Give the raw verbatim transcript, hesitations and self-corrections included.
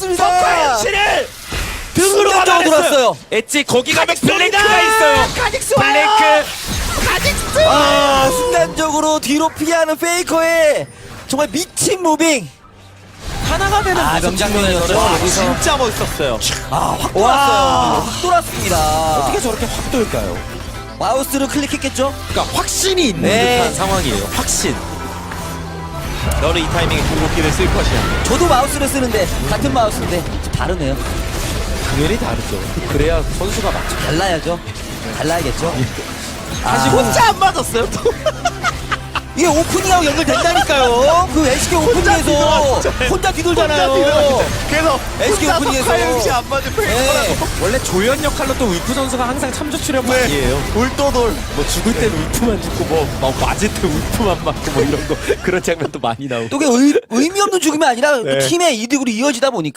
돌았습니다. 석화 현실을 등으로 순간적으로 받아냈어요. 돌았어요. 엣지 거기 가면 카직스입니다. 블랭크가 있어요. 카직스 와요. 블랭크. 카직스. 아, 순간적으로 뒤로 피하는 페이커의 정말 미친 무빙. 하나가 되는 아, 모습 명장면이었죠. 측면에서 와, 여기서. 진짜 멋있었어요. 아, 확 와. 돌았어요. 확 돌았습니다. 어떻게 저렇게 확 돌까요? 마우스를 클릭했겠죠? 그러니까 확신이 있는 네. 듯한 상황이에요. 확신. 너는 이 타이밍에 궁극기를 쓸 것이야. 저도 마우스를 쓰는데 같은 마우스인데 좀 다르네요. 당연히 다르죠. 그래야 선수가 맞죠. 달라야죠. 달라야겠죠. 사실 아, 혼자 안 맞았어요. 또. 이게 오프닝하고 연결된다니까요. 그 에스케이 오프닝에서 뒤돌아왔죠. 혼자 뒤돌잖아요. 그래서 에스케이 혼자 오프닝에서. 석화영시 안 맞은 네. 페이커라고. 원래 조연 역할로 또 울프 선수가 항상 참조 출연 네. 많이에요. 울도돌. 뭐 죽을 땐 울프만 죽고 뭐, 막 맞을 때 울프만 맞고 뭐 이런 거 그런 장면도 많이 나오고. 또 그게 의, 의미 없는 죽음이 아니라 네. 팀의 이득으로 이어지다 보니까